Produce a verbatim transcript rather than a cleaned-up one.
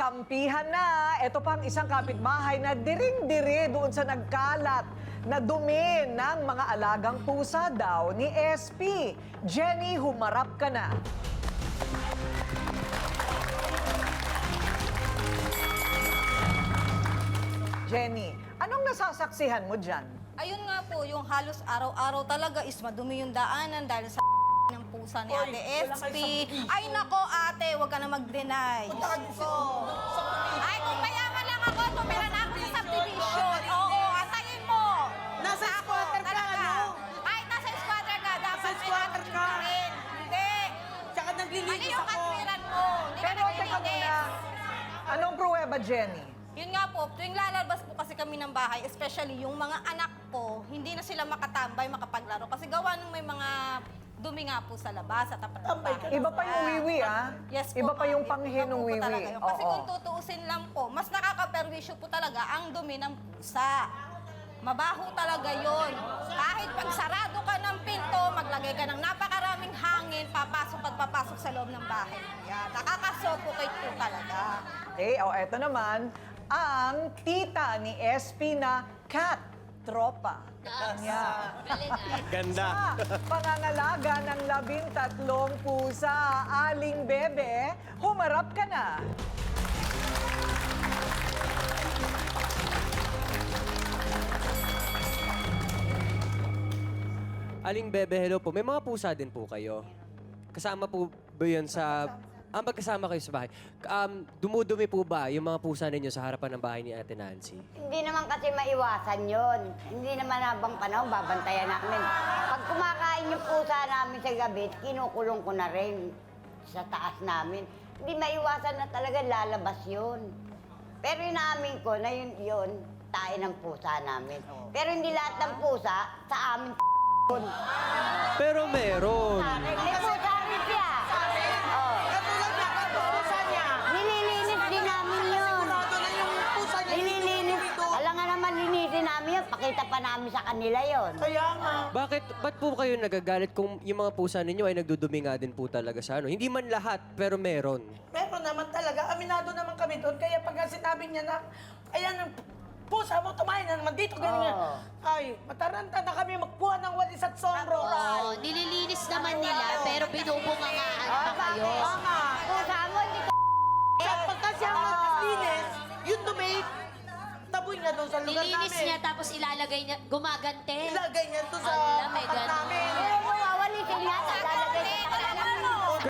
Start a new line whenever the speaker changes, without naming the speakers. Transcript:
kampihan na. Ito pang isang kapitbahay na diring-diri doon sa nagkalat na dumi ng mga alagang pusa daw ni S P. Jenny, humarap ka na. Jenny, anong nasasaksihan mo dyan?
Ayun nga po, yung halos araw-araw talaga is madumi yung daanan dahil sa ng pusa ni Ate S P. Ay nako ate, huwag ka na mag-deny. Ay, kung mayaman lang ako, tumira na ako sa subdivision. Oo, atayin mo.
Nasa
Ako,
squatter ka,
talaga.
ano?
Ay, nasa squatter ka. Dapat
Nasa
may
squatter
attitude
ka.
rin. Hindi.
Tsaka
Ano
naglilinis
yung
ako.
katwiran mo? Hindi ka
Pero teka
naglilinis.
muna, anong pruweba, Jenny?
Yun nga po, tuwing lalabas po kasi kami ng bahay, especially yung mga anak ko, hindi na sila makatambay, makapaglaro. Kasi gawa nung may mga dumi nga po sa labas at tapat ng
Tambay ka
bahay.
Iba pa yung wiwi, ah.
Yes po,
Iba pa
ma'am.
yung panghi
Iba
ng
po po
wiwi.
talaga yun. Kasi
Oo.
kung tutuusin lang po, mas nakakaperwisyo po talaga ang dumi ng pusa. Mabaho talaga yon. Kahit pag sarado ka ng pinto, maglagay ka ng napakaraming hangin, papasok at papasok sa loob ng bahay. Yan, nakakasuffocate po talaga.
Okay, o eto naman, ang tita ni S P na cat tropa. Kanya.
Ganda.
Sa pangangalaga ng labintatlong pusa, Aling Bebe, humarap ka na.
Aling Bebe, hello po. May mga pusa din po kayo. Kasama po ba yun sa... Ah, magkasama kayo sa bahay. Um, dumudumi po ba yung mga pusa ninyo sa harapan ng bahay ni Ate Nancy?
Hindi naman kasi maiwasan yon. Hindi naman habang panahon, babantayan namin. Pag kumakain yung pusa namin sa gabi, kinukulong ko na rin sa taas namin. Hindi maiwasan na talaga lalabas yun. Pero inaamin ko na yun, yun, tayo ng pusa namin. Pero hindi lahat ng pusa sa amin yun.
Pero meron.
May pusa rin siya. Oh.
Katulad niya, pusa niya.
Nililinis din namin yun.
Sigurado na yung pusa niya.
Nililinis. Alam nga naman, linisin namin yun. Pakita pa namin sa kanila yun.
Kaya nga.
Bakit, ba't po kayo nagagalit kung yung mga pusa ninyo ay nagdudumi nga din po talaga sa ano? Hindi man lahat, pero meron.
Meron naman talaga. Aminado naman kami doon. Kaya pag sinabi niya na, ayan ang pusa mo, tumahin na naman dito. Ganyan.
Oo.
Ay, mataranta na kami magkuha ng walis at sondro.
Oo, nililinis naman nila, pero binubungangaan pa kayo.
Tama.
Pusa mo, hindi ka
Sa pagka siya maglinis, yung dumi, taboy niya doon sa lugar
Nilinis
namin.
niya, tapos ilalagay niya, gumagante.
Ilagay niya doon sa
Ala, may
tapat
ganun.
namin.
Pero mawawalisin nga, lalagay sa